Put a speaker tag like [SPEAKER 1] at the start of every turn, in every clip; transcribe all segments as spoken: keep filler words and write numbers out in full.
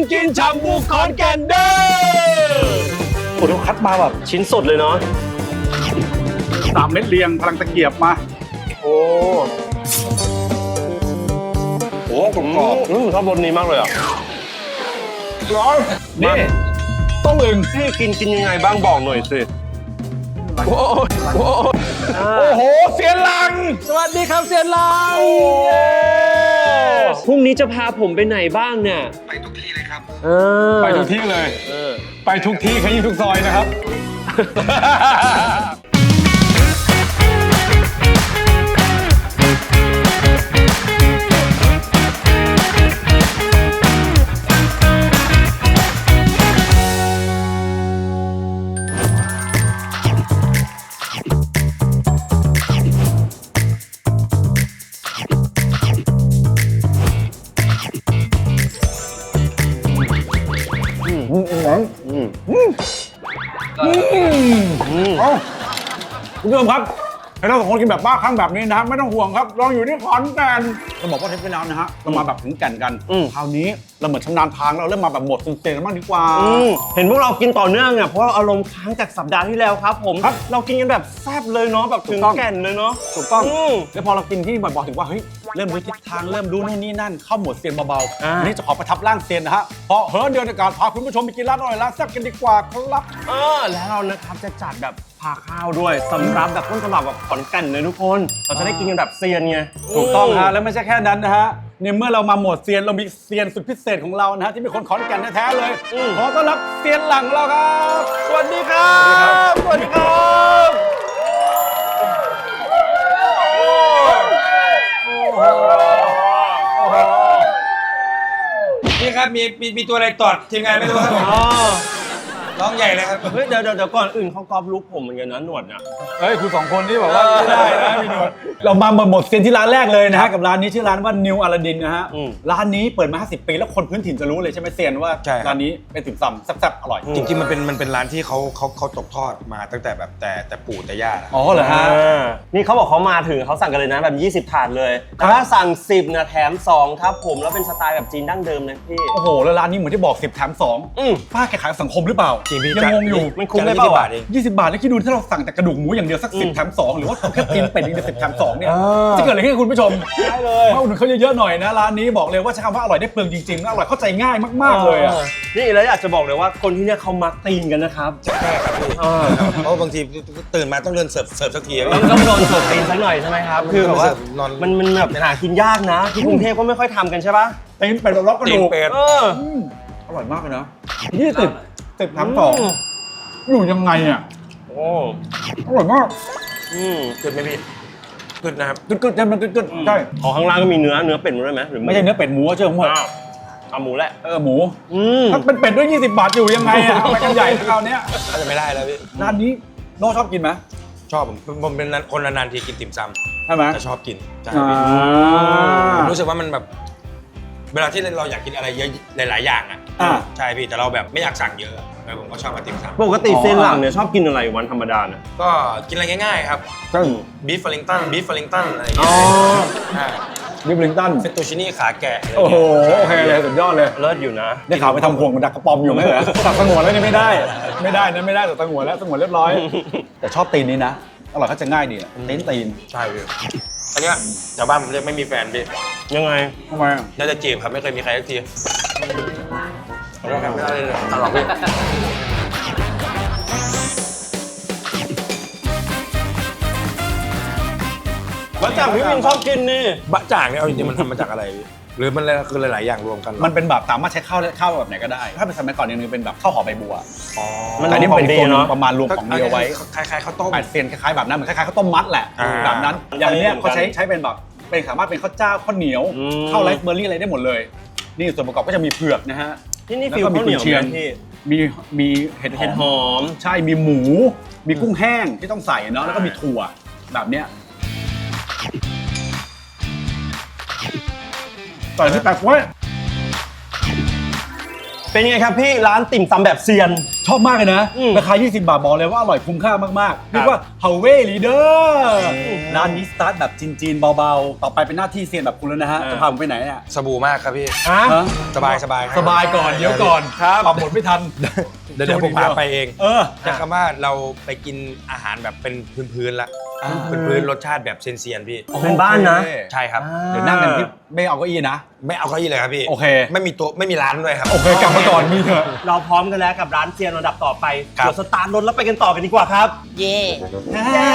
[SPEAKER 1] กินชาบูขอนแก่นเด้อโอ้โหคัดมาแบบชิ้นสดเลยเนาะ
[SPEAKER 2] สามเม็ดเรียงพลังตะเกียบมา
[SPEAKER 1] โอ้โหกรอบๆอืมชอบรสนี้มากเลยอ่ะร้อนนี่ต้องอึ่งที่กินกินยังไงบ้างบอกหน่อยสิโอ้โหโอ้โหเซียนลังสวัสดีครับเซียนลังพรุ่งนี้จะพาผมไปไหนบ้างเนี่ย
[SPEAKER 3] ไปทุกที่เลยครับ
[SPEAKER 2] ไปทุกที่เลยไปทุกที่ขยี้ทุกซอยนะครับคุณผู้ชมครับให้เราสองคนกินแบบบ้าคลั่งแบบนี้นะไม่ต้องห่วงครับลองอยู่ที่ขอนแก่นเราบอกว่าเทปที่แล้วนะฮะเรามาแบบถึงแก่นกันคราวนี้เราเหมือนชำนาญทางเราเริ่มมาแบบหมดสุดเสียงบ้างดีกว่า
[SPEAKER 1] เห็นพวกเรากินต่อเนื่องอ่ะเพราะอารมณ์ค้างจากสัปดาห์ที่แล้วครับผมเรากินกันแบบแซ่บเลยเนาะแบบถึงแก่นเลยเนาะ
[SPEAKER 2] ถูกต้องแล้วพอเรากินที่บ่อยๆถึงว่าเฮ้ยเริ่มรู้ทิศทางเริ่มรู้นู่นนี่นั่นเข้าหมวดเซียนเบาๆนี่จะขอประทับร่างเซียนนะฮะเพราะเฮ้ยเดือนในการพาคุณผู้ชมไปกินร้านอร่อยร้านแซ่บกันดีกว่าครับ
[SPEAKER 1] เออแล้วเรานะครับจะจัดแบบพาข้าวด้วยสำรับแบบต้นฉบับแบบขอนแก่นเลยทุกคนเราจะได้กินกันแบบเซียนไง
[SPEAKER 2] ถูกต้องฮะแล้วไม่ใช่แค่นั้นนะฮะในเมื่อเรามาหมวดเซียนเรามีเซียนสุดพิเศษของเรานะฮะที่เป็นคนขอนแก่นแท้ๆเลยขอต้อนรับเซียนหลังเราครับ
[SPEAKER 1] สวัสดีครับสวัสดีครับ
[SPEAKER 3] นี่ครับมีมีมีตัวอะไรตอดทีมงานไม่รู้ครับร้องใหญ่เลยครับ
[SPEAKER 1] เฮ้ยเดี๋ยวเดี๋ยวก่อนอื่นเขากรอบลุกผมเหมือนกันนะหนวดเนี่ย
[SPEAKER 2] เฮ้ยคุณสองคนที่บอกว่าไม่ได้นะมีหนวดเรามาหมดเซียนที่ร้านแรกเลยนะฮะกับร้านนี้ชื่อร้านว่านิวอลาดินนะฮะร้านนี้เปิดมาห้าสิบปีแล้วคนพื้นถิ่นจะรู้เลยใช่ไหมเซียนว่าร้านนี้เป็นติ่มซำแซ่บๆอร่อย
[SPEAKER 3] จริงๆมันเป็นมันเป็นร้านที่เขาเขาเขาตกทอดมาตั้งแต่แบบแต่แต่ปู่แต่ย่า
[SPEAKER 2] อ๋อเหรอฮะ
[SPEAKER 1] นี่เขาบอกเขามาถึงเขาสั่งกันเลยนะแบบยี่สิบถาดเลยถ้าสั่งสิบนะแถมสองครับผมแล้วเป็นสไตล์แบบจีนดั้งเดิมเลยพี่
[SPEAKER 2] โอ้โหแล้วร้านนี้เหมือนที่บอกสิบแถมสองป้าแกขายสังคมหรือเปล่ายังงงอยู่
[SPEAKER 1] มันคุ้มได้เปล่า
[SPEAKER 2] บาทเองยี่สิบบาทแล้วคิดดูถ้าเราสั่งแต่กระดูกหมูอย่างเดียวสักสิบแถมสองหรือว่าแค่ตีนเป็ดอีกสิบแถมสองเนี่ยจะเกิดอะไรขึ้นคุณผู้ชม
[SPEAKER 1] ได้เลย
[SPEAKER 2] เพราะอุดหนุนเขาเยอะๆหน่อยนะร้านนี้บอกเลยว่าใช้คำว่าอร่อยได้เปลืองจริงๆอร่อยเข้าใจง่ายมากๆเลยอ่ะ
[SPEAKER 1] นี่แล้วอยากจะบอกเลยว่าคนที่เนี่ยเขามักตีนกันนะครับ
[SPEAKER 3] ใช่ครับพี่เพราะบางทีตื่นมาต้องเดินเสิร์ฟเสิร์ฟสักที
[SPEAKER 1] ต้องโดนเสิร์ฟตีนสักหน่อยใช่ไหมครับคือแบบว่ามันมันแบบหากินยากนะที่กรุงเทพก็ไม่ค่อยทำกันใช่ปะ
[SPEAKER 2] ตีนเป็ดล็อกกระดูกอร่อยมากเลยนะยี่สิบสิบแถมสองอยู่ยังไงอ่ะ
[SPEAKER 1] โอ้
[SPEAKER 2] อร่อยมาก
[SPEAKER 1] อืมเกิดไหมพี่
[SPEAKER 3] เกิดนะครับ
[SPEAKER 2] เกิดๆใช่มันเกิดๆใช่
[SPEAKER 1] ของข้างล่างก็มีเนื้อเนื้อเป็ดด้วยไหมหรือ
[SPEAKER 2] ไม่ใช่เนื้อเป็ดหมูเชื่อผมหมด
[SPEAKER 1] เอาหมูแหละ
[SPEAKER 2] เออหมูถ้าเป็นเป็ดด้วยยี่สิบบาทอยู่ยังไงอ่ะไปกันใหญ่คราวนี้
[SPEAKER 3] ก็จะไม่ได้แล้วพี่
[SPEAKER 2] ร้านนี้โน่ชอบกินไหม
[SPEAKER 3] ชอบผมผมเป็นคนนานๆทีกินติ่มซำ
[SPEAKER 2] ใช่ไหม
[SPEAKER 3] แต่ชอบกินใช่รู้สึกว่ามันแบบเวลาที่เราอยากกินอะไรเยอะหลายๆอย่างอ่ะใช่พี่แต่เราแบบไม่อยากสั่งเยอะแต่ผมก็ชอบมาติ่มซำ
[SPEAKER 1] ปกติเซนหลังเนี่ยชอบกินอะไรวันธรรมดาเนี่ย
[SPEAKER 3] ก็กินอะไรง่ายๆครับบีฟเฟลลิงตันบีฟเฟลลิงตันอะไรอย่างเงี้
[SPEAKER 2] ยบีฟเฟลลิงตัน
[SPEAKER 3] เฟตตูชินี่ขาแกะ
[SPEAKER 2] โอ้โหโอเคเลยสุดยอดเลย
[SPEAKER 1] เลิศอยู่นะ
[SPEAKER 2] ได้ข่าวไปทำพวงมันดักกระป๋อมอยู่ไหมเหรอตัดสงวนแล้วนี่ไม่ได้ไม่ได้นะไม่ได้ตัดสงวนแล้วสงวนเรียบร้อยแต่ชอบตีนนี้นะอร่อยเขาจะง่ายดีตีนตีน
[SPEAKER 3] ใช่พี่อันเนี้ยชาวบ้านผมเรียกไม่มีแฟนพี่
[SPEAKER 1] ยังไง
[SPEAKER 2] ทำไม
[SPEAKER 3] น่าจะจีบครับไม่เคยมีใครสักทีเราทำไม่ได้เลยตลอดพี่
[SPEAKER 1] บะจ่างพี่วินชอบกินนี่
[SPEAKER 3] บะจ่างเนี่ยเอาจริงๆมันทำมาจากอะไรพี่หรือมันคือหลายๆอย่างรวมกัน
[SPEAKER 2] มันเป็นแบบสามารถใช้ข้าวข้าวแบบไหนก็ได้ถ้าเป็นสมัยก่อนนึงเป็นแบบข้าวหอมใบบัว
[SPEAKER 1] อ๋อ
[SPEAKER 2] แต่นี่เป็นตัวประมาณรวมของเดียวไว้
[SPEAKER 3] คล้ายๆข้าวต้ม
[SPEAKER 2] แปดเซียนคล้ายๆแบบนั้นเหมือนคล้ายๆข้าวต้มมัดแหละแบบนั้นอย่างเนี้ยเขาใช้ใช้เป็นแบบเป็นสามารถเป็นข้าวเจ้าข้าวเหนียวข้าวไรซ์เบอร์รี่อะไรได้หมดเลยนี่ส่วนประกอบก็จะมีเผือกนะฮะ
[SPEAKER 1] ที่นี่ฟิวข้าวเหนียวพี่
[SPEAKER 2] มีมีเห็ด
[SPEAKER 1] เห็ดหอม
[SPEAKER 2] ใช่มีหมูมีกุ้งแห้งที่ต้องใส่เนาะแล้วก็มีถั่วแบบเนี้ยต่อที่แปลกไว้
[SPEAKER 1] เป็นไงครับพี่ร้านติ่มซำแบบเซียน
[SPEAKER 2] ชอบมากเลยนะ
[SPEAKER 1] อืม
[SPEAKER 2] ราคา ยี่สิบบาทบอกเลยว่าอร่อยคุ้มค่ามากๆเรียกว่าเฮาเวลีเดอร์ร้านนี้สตาร์ทแบบจีนๆเบาๆ ต่อไปเป็นหน้าที่เซียนแบบคุณแล้วนะฮะ จะพาผมไปไหนอ่ะ
[SPEAKER 3] สบู่มากครับพี่
[SPEAKER 1] ฮะ
[SPEAKER 2] ฮะ
[SPEAKER 3] สบายสบาย
[SPEAKER 2] สบายก่อนเดี๋ยวก่อน
[SPEAKER 1] ครับ
[SPEAKER 2] ปรับบทไม่ทัน
[SPEAKER 3] เดี๋ยวเดี๋ยวผมพาไปเอง
[SPEAKER 2] เออ
[SPEAKER 3] จะคำว่าเราไปกินอาหารแบบเป็นพื้นๆละ
[SPEAKER 2] อ่า
[SPEAKER 3] พื้นๆรสชาติแบบเซียนๆพี่
[SPEAKER 1] เป็นบ้านนะ
[SPEAKER 2] โอเค
[SPEAKER 3] ใช่ครับ
[SPEAKER 2] เดี๋ยวนั่งกันที่ไม่เอาเก้าอี้นะ
[SPEAKER 3] ไม่เอาเก้าอี้เลยครับพี่
[SPEAKER 2] โอเค
[SPEAKER 3] ไม่มีโต๊ะไม่มีร้านด้วยครับ
[SPEAKER 2] โอเคกลับมาก่อนมีเถอะ
[SPEAKER 1] เราพร้อมกันแล้วกับร้านเซียนระดับต่อไป
[SPEAKER 3] ครับ
[SPEAKER 1] เดี๋ยวสตาร์ทรถแล้วไปกันต่อกันดีกว่าครับ
[SPEAKER 4] เย่
[SPEAKER 1] เย้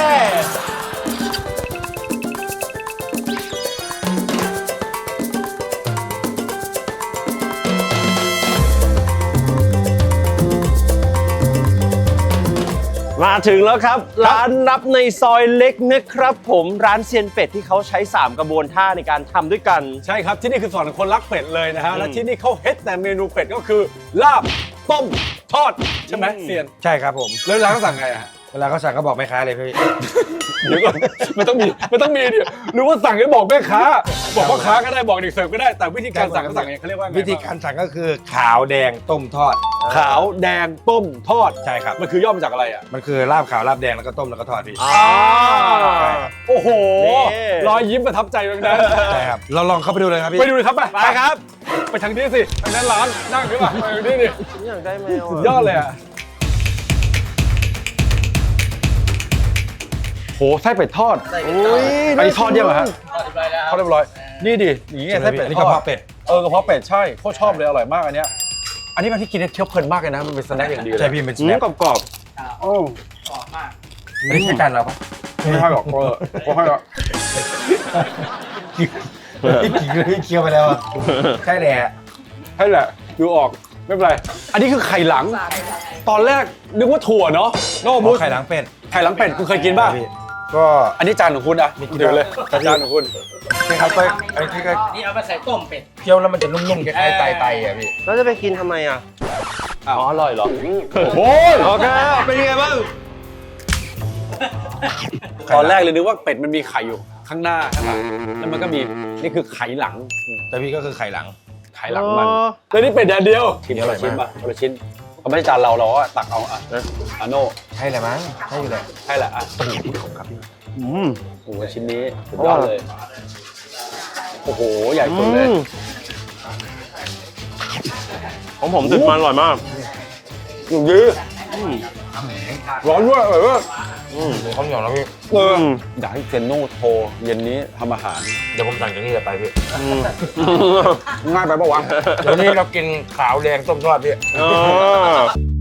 [SPEAKER 1] มาถึงแล้วครับ ร้านนับในซอยเล็กนะครับผมร้านเซียนเป็ดที่เขาใช้ สาม กระบวนท่าในการทำด้วยกัน
[SPEAKER 2] ใช่ครับที่นี่คือสอนคนรักเป็ดเลยนะฮะ
[SPEAKER 1] อืม
[SPEAKER 2] และที่นี่เขาเฮ็ดแต่เมนูเป็ดก็คือลาบต้มทอดใช่ไหม
[SPEAKER 1] อืม
[SPEAKER 2] เซียน
[SPEAKER 3] ใช่ครับผม
[SPEAKER 2] แล้วร้านเขาสั่งไงอะ
[SPEAKER 3] เวลาเขาสั่งก็บอกแม่ค้าเลยพี่
[SPEAKER 2] เดี๋ยวก่อนไม่ต้องมีไม่ต้องมีดิหรือว่าสั่งให้บอกแม่ค้า บอกพ่อค้าก็ได้บอกเด็กเสิร์ฟก็ได้แต่วิธีการสั่งเขาสั่งไงเขาเรียกว่าไง
[SPEAKER 3] วิธีการสั่งก็คือขาวแดงต้มทอด
[SPEAKER 2] ขาวแดงต้มทอด
[SPEAKER 3] ใช่ครับ
[SPEAKER 2] มันคือย่อมาจากอะไรอ่ะ
[SPEAKER 3] มันคือลาบขาวลาบแดงแล้วก็ต้มแล้วก็ทอดพี่
[SPEAKER 1] อ่า
[SPEAKER 3] ใช่ครับ
[SPEAKER 2] โอ้โห
[SPEAKER 1] นี่
[SPEAKER 2] รอยยิ้มประทับใจตรงนั้น
[SPEAKER 3] ใช่ครับเราลองเข้าไปดูเลยครับพี่
[SPEAKER 2] ไปดูเลยครับไป
[SPEAKER 1] ไปครับ
[SPEAKER 2] ไปทางนี้สิทางนั้นร้านนั่งดีกว่าไปทางนี้ดิ
[SPEAKER 1] ฉันอยากได้แมว
[SPEAKER 2] สุดยอดเลยอ่ะโหไส้เป็ดทอด
[SPEAKER 1] อุ้ย
[SPEAKER 2] อันนี้ทอดยังเหรอฮะ
[SPEAKER 4] ทอดเรียบร้อยแล้ว
[SPEAKER 2] ทอดเรียบร้อยนี่ดิอย่างงี้ไงไส้เป็ด
[SPEAKER 3] อันนี้
[SPEAKER 2] ท
[SPEAKER 3] ก
[SPEAKER 2] อ
[SPEAKER 3] ระ
[SPEAKER 2] ด
[SPEAKER 3] เพาะเป็ด
[SPEAKER 2] เออกระเพาะเป็ดใช่โคตรชอบเลยอร่อยมากอันเนี้ยอันนี้มันที่กินได้เคี้ยวเพลินมากเลยนะมันเป็นสแน็คอย่างดีเลย
[SPEAKER 3] ใช่พี่เป็นส
[SPEAKER 1] อืม
[SPEAKER 3] แน็ค
[SPEAKER 1] กรอบ
[SPEAKER 2] โอ้
[SPEAKER 4] กรอบมาก
[SPEAKER 3] ไม่ได้ใช้จานเราปะ
[SPEAKER 2] ไม่ให้หรอกเออไม่ให้หรอก
[SPEAKER 3] พี่กินเลยพี่เคี้ยวไปแล้วอะใช่แหละ
[SPEAKER 2] ให้แหละดูออกไม่เป็นไรอันนี้คือไข่หลัง ตอนแรกนึกว่าถั่วเนาะโน้มูส
[SPEAKER 3] ไข่ล้างเป็ด
[SPEAKER 2] ไข่หลังเป็ดคุณเคยกินป่ะ
[SPEAKER 3] พี่ก็
[SPEAKER 2] อันนี้จานของคุณอ่ะ
[SPEAKER 3] มีกิน
[SPEAKER 2] เดี๋ยวเลยจานของคุณ
[SPEAKER 3] นี่ครับก็อันนี้ก็
[SPEAKER 4] นี่เอาไปใส่ต้มเป็ด
[SPEAKER 3] เคี้ยวแล้วมันจะนุ่มๆคล้ายๆไตไตอ่ะพี่
[SPEAKER 1] ๆแล้วจะไปกินทำไมอ่ะ อ๋ออร่อยเหรอ
[SPEAKER 2] โอ้ย
[SPEAKER 1] โอเค เป็นยังไงบ้าง
[SPEAKER 2] ตอนแรกเลยนึกว่าเป็ดมันมีไข่อยู่ข้างหน้าข้างหลังแล้วมันก็มีนี่คือไข่หลัง
[SPEAKER 3] แต่พี่ก็คือไข่หลัง
[SPEAKER 2] ไข่หลังมันแล้วนี่เป็ดแดดเดียวชิ้น
[SPEAKER 3] อร่
[SPEAKER 2] ละ
[SPEAKER 3] อย
[SPEAKER 2] ชิ้น
[SPEAKER 3] มาก
[SPEAKER 2] ป่ะคนละชิ้นเขาไม่ใช่จานเราเราก็ตักเอาอ่ะอาโน่
[SPEAKER 3] ใช่แหละมั้งใช่อยู่แหละ
[SPEAKER 2] ใช่แหละอ่ะ
[SPEAKER 3] โอ้โหขอบครับพี่
[SPEAKER 1] อืม
[SPEAKER 2] โอ้โหชิ้นนี้สุดยอดเลยโอ้โหใหญ่สุดเลย
[SPEAKER 1] ของผมติดมันอร่อยมาก
[SPEAKER 2] อยู่ดีร้อนด้วยเออ
[SPEAKER 1] อืม
[SPEAKER 3] ข้าวเหนียวแล้วพี่
[SPEAKER 2] เอออยากให้เซนโน่โทรเย็นนี้ทำอาหาร
[SPEAKER 3] เดี๋ยวผมสั่งจากนี่เลยไปพี่
[SPEAKER 2] ง่ายไปปะวะ
[SPEAKER 3] เดี๋ยวนี้เรากินขาวแดงต้มทอดพี่
[SPEAKER 1] เออ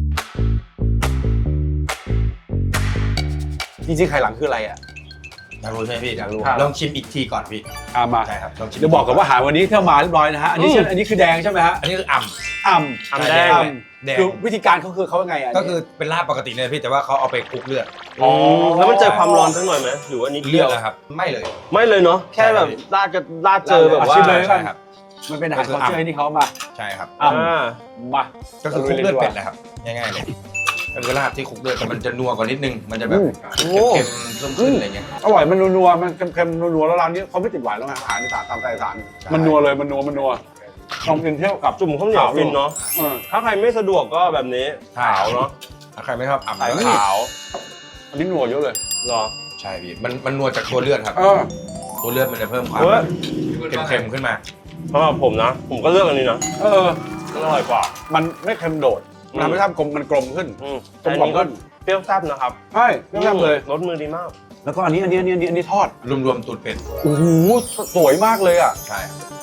[SPEAKER 2] จริงๆไข่หลังคืออะไรอ่ะ
[SPEAKER 3] อยากรู้ใช่ไหมพี่
[SPEAKER 2] อยากรู้
[SPEAKER 3] ลองชิมอีกทีก่อนพี่
[SPEAKER 2] อ่ะมา
[SPEAKER 3] ใช่ครับลองชิม
[SPEAKER 2] เดี๋ยวบอกกันว่าอาหารวันนี้ที่เรามาเรียบร้อยนะฮะอันนี้
[SPEAKER 1] อืม
[SPEAKER 2] ใช่อันนี้คือแดงใช่ไหมฮะ
[SPEAKER 3] อันนี้คืออ่ำ
[SPEAKER 2] อ่ำ
[SPEAKER 1] อ่ำแดง
[SPEAKER 2] อ่
[SPEAKER 3] แดง
[SPEAKER 2] คือวิธีการเขาคือเขายังไงอ่ะ
[SPEAKER 3] ก็คือเป็นลาบปกติเลยพี่แต่ว่าเขาเอาไปคลุกเลือด
[SPEAKER 1] อ๋อแล้วมันเจอความร้อนสักหน่อยไหมหรือว่านิด
[SPEAKER 3] เลื
[SPEAKER 1] เดี
[SPEAKER 3] อ
[SPEAKER 1] ยว
[SPEAKER 3] ดนะครับไม่เลย
[SPEAKER 1] ไม่เลยเนาะ แค่แบบราดก็ราดเจอแบบว่า
[SPEAKER 2] ชิมเลย
[SPEAKER 3] ใช่ครับ
[SPEAKER 2] มันเป็นอาหารคอเจอร์ที่เขามา
[SPEAKER 3] ใช่ครับ
[SPEAKER 2] อ่
[SPEAKER 1] อ่า
[SPEAKER 2] ำมา
[SPEAKER 3] ก็คือคลุกเลือดเป็ดแหละครับง่ายๆเลยก็คือลาบที่คลุกเลือดแต่มันจะนัวกว่านิดนึงมันจะแบบเค็มๆเพิ่มขึ้นอะไรเงี้ย
[SPEAKER 2] อร่อยมันนัวๆมันเค็มๆนัวๆแล้วร้านนี้เขาไม่ติดหวานแล้วไงอาหารอีสานตามใจอีสาน
[SPEAKER 3] ใช่
[SPEAKER 2] มันนัวเลยมันนัวมันนัวลองกินเที่ยวกับ
[SPEAKER 1] จุ่มข้าวเหนียวฟินเนาะ
[SPEAKER 2] เออ
[SPEAKER 1] ถ้าใครไม่สะดวกก็แบบนี้ขาวเนาะ
[SPEAKER 3] ถ้าใครไม่ชอบอ่ำ
[SPEAKER 1] สาย
[SPEAKER 3] ก็
[SPEAKER 1] ขาว
[SPEAKER 2] อันนี้นัวเยอะเลย
[SPEAKER 1] เหรอ
[SPEAKER 3] ใช่พี่มันมันนัวจากตัวเลือดครับ
[SPEAKER 2] เออ
[SPEAKER 3] ตัวเลือดมันจะเพิ่มความ
[SPEAKER 1] เฮ้ย
[SPEAKER 3] เค็มๆขึ้นมา
[SPEAKER 1] สำหรับผมนะ ผมก็เลือกอันนี้นะ
[SPEAKER 2] เออ
[SPEAKER 1] มันอร่อยกว่า
[SPEAKER 2] มันไม่เค็มโดด
[SPEAKER 1] อืม
[SPEAKER 2] มันทำให้ทำกลมมันกลมขึ้น
[SPEAKER 1] อืม
[SPEAKER 2] กล
[SPEAKER 1] แต่
[SPEAKER 2] ม
[SPEAKER 1] อัน
[SPEAKER 2] กล่อม
[SPEAKER 1] นี้ก็
[SPEAKER 2] ขึ้น
[SPEAKER 1] เปรี้ยวแซ่บนะครับ
[SPEAKER 2] ใช่เรียบๆเลย
[SPEAKER 1] รสมือดีมาก
[SPEAKER 2] แล้วก็อันนี้อันนี้อันนี้อันนี้อันนี้ทอด
[SPEAKER 3] รวมๆตูดเป็ด
[SPEAKER 2] โอ้โหสวยมากเลยอ่ะ
[SPEAKER 3] ใช่